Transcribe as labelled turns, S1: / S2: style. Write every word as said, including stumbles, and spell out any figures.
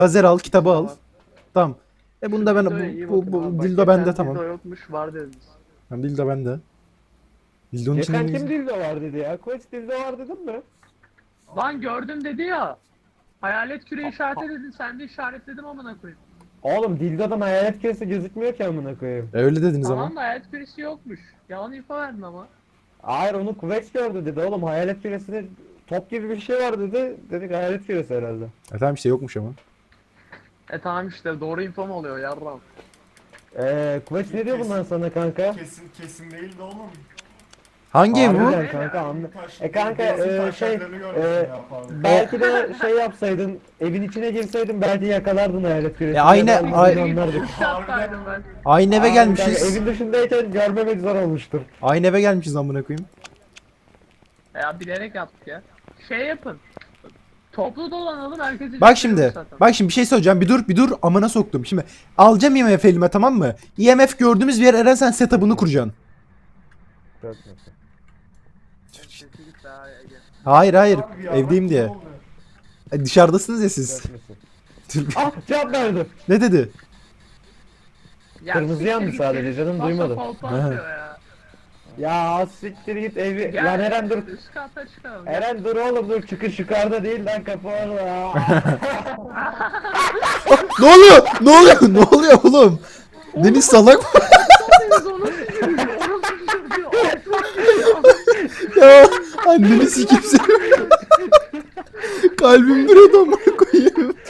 S1: Lazer al, kitabı al.
S2: Tamam.
S1: Tamam. E bunda ben
S2: Dildoya iyi
S1: bu, bu,
S2: bakın
S1: bu
S2: abi. Bak,
S1: dildo
S2: geçen
S1: bende tamam.
S2: Dildo yokmuş var dediniz.
S1: Tamam, dildo bende. Dildonun içinde
S3: Geçen
S1: ne
S3: kim
S1: güzel.
S3: dildo var dedi ya? Koç dildo var dedim mi?
S2: Lan gördüm dedi ya. Hayalet küre işareti dedin, sen de işaretledim amına koyayım.
S3: Oğlum dildodan hayalet küresi gözükmüyor ki amına koyayım.
S1: E, öyle dediniz
S2: Tamam
S1: ama.
S2: da hayalet küresi yokmuş. Yalan info verdin ama.
S3: Hayır onu Kuvvet gördü dedi oğlum hayalet küresinde top gibi bir şey var dedi. Dedik hayalet küresi herhalde.
S1: E tamam işte yokmuş ama.
S2: E tamam işte doğru info mu oluyor yarram?
S3: Eee Kuvvet ne diyor bundan sana kanka?
S4: Kesin kesin değil de oğlum.
S1: Hangi ev bu?
S3: Harbiden kanka anla.
S4: Taş-
S3: E kanka
S4: benzin
S3: eee, şey
S4: taşaklarını görmüşsün
S3: eee,
S4: ya falan.
S3: belki de şey yapsaydın evin içine girseydin belki yakalardın hayalet küresini.
S1: E, aynı-
S3: ya da
S1: ay-
S3: bizi anlardık.
S2: Üç yaptaydım ben.
S1: Aynı eve
S3: Aa, kanka,
S1: gelmişiz.
S3: evin dışındayken görmemek zor olmuştur.
S1: Aynı eve gelmişiz amına koyayım.
S2: Ya bilerek yaptık ya. Şey yapın. Toplu dolanalım herkesi.
S1: Bak şimdi. Bak şimdi bir şey söyleyeceğim. Bir dur, bir dur. Amına soktum. Şimdi alacağım I M F elime, tamam mı? I M F gördüğümüz bir yer, Eren sen setup'ını kuracaksın. Hayır hayır.
S4: Abi ya,
S1: Evdeyim
S4: bak,
S1: diye.
S4: ne oldu?
S1: E, dışarıdasınız ya siz.
S3: Ah cevap verdi.
S1: Ne dedi?
S3: Kırmızı yandı sadece, canım, duymadım.
S2: Ya.
S3: Ya siktir git evi.
S2: Gel,
S3: Lan Eren dur.
S2: Üst kata çıkalım.
S3: Eren dur oğlum dur, çıkış yukarıda değil lan, kapı orada.
S1: Ne oluyor? Ne oluyor? Ne oluyor oğlum? Deniz salak mı?
S2: Biz onu sürüyor. Onu sürüyor.
S1: Ya anneni sikeyim seni. Kalbim duruyordu amına koyayım.